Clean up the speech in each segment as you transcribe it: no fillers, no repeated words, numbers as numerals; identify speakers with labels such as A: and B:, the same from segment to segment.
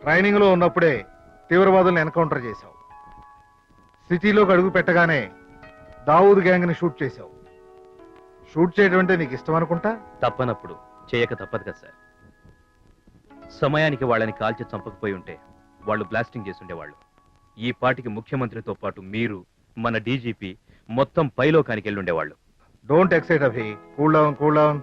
A: Training లో ఉన్నప్పుడే తీవ్రవాదులను encounter చేశావు. సిటీలోకి అడుగు పెట్టగానే దావూద్ గ్యాంగ్ ని షూట్ చేశావు. షూట్ చేయడం అంటే నీకు ఇష్టం అనుకుంటా.
B: తప్పనప్పుడు చేయక తప్పదు కదా సార్. సమయానికి వాళ్ళని కాల్చి చంపకపోయి ఉంటే వాళ్ళు బ్లాస్టింగ్ చేసుండేవాళ్ళు. ఈ పాటికి ముఖ్యమంత్రితో పాటు మీరు, మన డీజీపీ మొత్తం పైలోకానికి వెళ్ళుండేవాళ్ళు.
A: Don't excite Abhi. Cool down, cool down.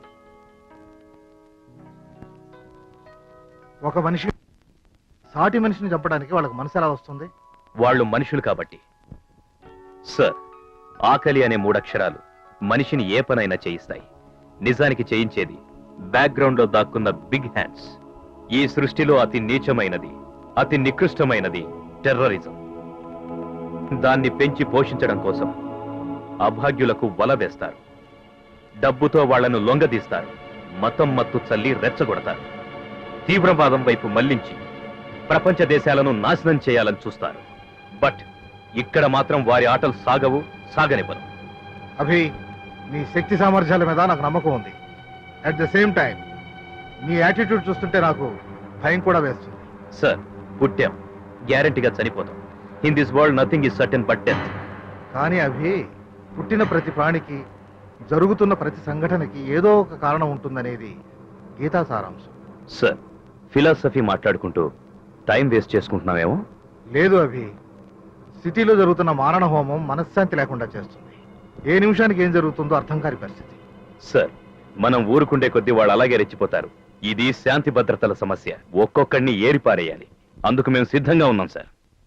A: ఒక మనిషి సాటి మనిషిని చంపడానికి వాళ్ళకి మనసు ఎలా వస్తుంది?
B: వాళ్ళు మనుషులు కాబట్టి. సార్, ఆకలి అనే 3 అక్షరాలు మనిషిని ఏ పనైనా చేయిస్తాయి. నిజానికి చేయించేది బ్యాక్గ్రౌండ్ లో దాక్కున్న బిగ్ హ్యాండ్స్. ఈ సృష్టిలో అతి నీచమైనది, అతి నికృష్టమైనది టెర్రరిజం. దాన్ని పెంచి పోషించడం కోసం అభాగ్యులకు వల వేస్తారు. డబ్బుతో వాళ్లను లొంగదీస్తారు. మతం మత్తు చల్లి రెచ్చగొడతారు. తీవ్రవాదం వైపు మళ్లించి ప్రపంచ దేశాలను నాశనం చేయాలని చూస్తారు. బట్ ఇక్కడ మాత్రం వారి ఆటలు సాగవు, సాగనివ్వరు.
A: అభి, నీ శక్తి సామర్థ్యాల మీద నాకు నమ్మకం ఉంది. అట్ ద సేమ్ టైం నీ యాటిట్యూడ్ చూస్తుంటే నాకు భయం కూడా వేస్తుంది.
B: సార్, పుట్టాం, గ్యారంటీగా చనిపోతాం. In this world nothing is certain but death.
A: కానీ అభి, పుట్టిన ప్రతి ప్రాణికి, జరుగుతున్న ప్రతి సంఘటనకి ఏదో ఒక కారణం ఉంటుందనేది గీతా సారాంశం.
B: సార్, ఫిలాసఫీ మాట్లాడుకుంటూ టైం వేస్ట్ చేసుకుంటున్నామేమో.
A: లేదు అభి, సిటీలో జరుగుతున్న మారణ హోమం మనశ్శాంతి లేకుండా చేస్తుంది. ఏ నిమిషానికి ఏం జరుగుతుందో అర్థం కాని పరిస్థితి.
B: సార్, మనం ఊరుకుండే కొద్దీ వాళ్ళు అలాగే రెచ్చిపోతారు. ఇది శాంతి భద్రతల సమస్య. ఒక్కొక్కడిని ఏరిపారేయాలి. అందుకు మేము సిద్ధంగా ఉన్నాం sir.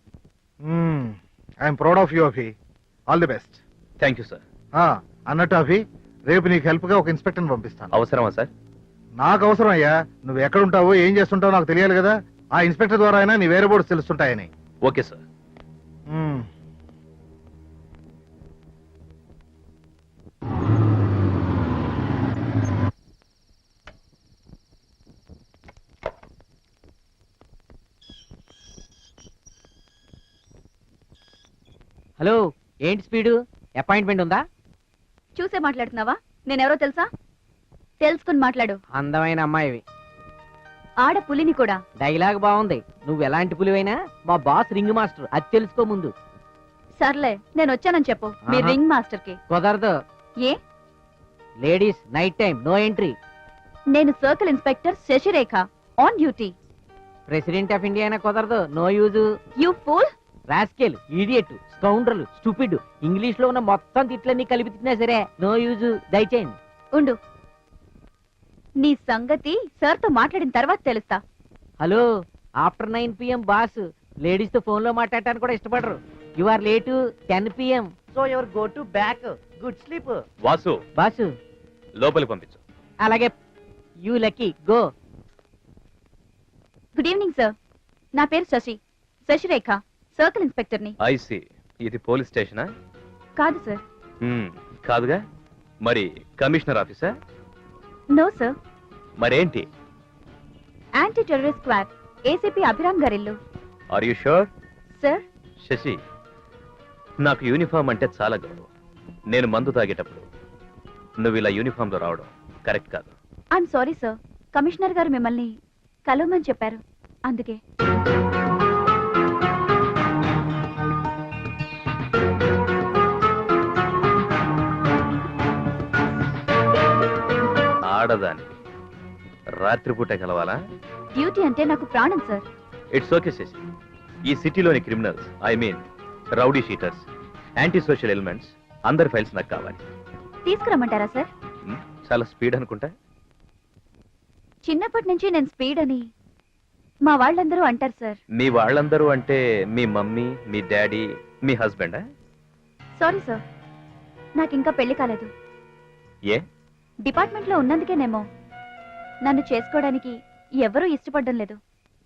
A: I'm proud of you Abhi. All the best.
B: Thank you sir.
A: అన్నట్టు అభి, రేపు నీకు హెల్ప్ గా ఒక ఇన్స్పెక్టర్ని పంపిస్తాను.
B: అవసరమా సార్?
A: నాకు అవసరం అయ్యా. నువ్వు ఎక్కడుంటావో, ఏం చేస్తుంటావో నాకు తెలియాలి కదా. ఆ ఇన్స్పెక్టర్ ద్వారా అయినా నీ వేరే బోర్డ్స్ తెలుస్తుంటాయని.
B: Okay sir.
C: హలో, ఏంటి స్పీడు? అపాయింట్మెంట్ ఉందా?
D: చూసే మాట్లాడుతున్నావా? నేనెవరో తెలుసా? తెలుసుకుని మాట్లాడు.
C: అందమైన అమ్మాయివి.
D: ఆడ పులిని కూడా.
C: డైలాగ్ బాగుంది. నువ్వు ఎలాంటి పులివైనా మా బాస్ రింగ్ మాస్టర్, అది తెలుసుకో ముందు.
D: సర్లే, నేను వచ్చానని చెప్పు మీ రింగ్ మాస్టర్ కి.
C: కుదరదు.
D: ఏ?
C: Ladies night time, no entry.
D: నేను circle inspector Sasirekha, on duty.
C: President of India అయినా కుదరదు. No use.
D: You fool.
C: Rascal, idiot, scoundrel, stupid, English లో ఉన్న మొత్తం తిట్లన్నీ కలిపి తిట్టినా సరే నో యూజ్. దయచేయండి.
D: ఉండు, నీ సంగతి సార్ తో మాట్లాడిన తర్వాత తెలుస్తా.
C: Hello, after 9 PM boss ladies తో ఫోన్ లో మాట్లాడటానికి కూడా ఇష్టపడరు. You are late 10 PM. So your go to back. Good sleep.
B: Vasu,
C: boss
B: లోపలికి పంపించు.
C: అలాగే. You lucky, go.
D: Good evening sir. నా పేరు శశి, శశిరేఖ, సర్కిల్ ఇన్స్పెక్టర్ ని.
B: ఐసి, ఇది పోలీస్ స్టేషనా?
D: కాదు సార్.
B: కాదుగా. మరి కమిషనర్ ఆఫీసా?
D: No sir.
B: మరేంటి?
D: Anti terrorist squad, ACP Abhiram గారిల్లు.
B: Are you sure?
D: Sir.
B: Shashi, నాకు యూనిఫామ్ అంటే చాలా గౌరవం. నేను మందు తాగేటప్పుడు నువ్వు ఇలా యూనిఫామ్ లో రావడం కరెక్ట్ కాదు.
D: I'm sorry sir. కమిషనర్ గారు మిమ్మల్ని కలవమని చెప్పారు, అందుకే.
B: ఆడదాని రాత్రిపూట కలవాలా?
D: డ్యూటీ అంటే నాకు ప్రాణం సార్.
B: It's okay Sasi. ఈ సిటీలోని criminals, I mean rowdy sheeters, anti social elements అందరి ఫైల్స్ నాకు కావాలి.
D: తీసుకురమ్మంటారా సార్?
B: చాలా స్పీడ్ అనుకుంటా.
D: చిన్నప్పటి నుంచి నేను స్పీడ్ అని మా వాళ్ళందరూ అంటారు సార్.
B: మీ వాళ్ళందరూ అంటే మీ మమ్మీ, మీ డాడీ, మీ హస్బెండా?
D: సారీ సార్, నాకు ఇంకా పెళ్లి కాలేదు.
B: ఏ?
D: డిపార్ట్మెంట్ లో ఉన్నందుకేనేమో నన్ను చేసుకోవడానికి ఎవరూ ఇష్టపడడం లేదు.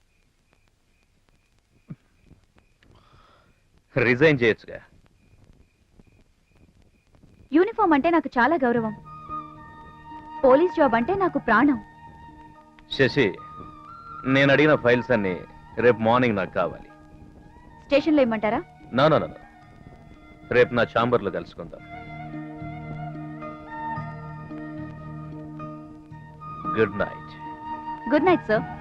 B: రిజైన్ చేయొచ్చుగా.
D: యూనిఫామ్ అంటే నాకు చాలా గౌరవం. పోలీస్ జాబ్ అంటే నాకు ప్రాణం.
B: శశి, నేను అడిగిన ఫైల్స్ అన్ని రేపు మార్నింగ్ నాకు కావాలి.
D: స్టేషన్లో ఇమ్మంటారా?
B: నో, రేపు నా ఛాంబర్లో కలుసుకుందాం. Good night.
D: Good night sir.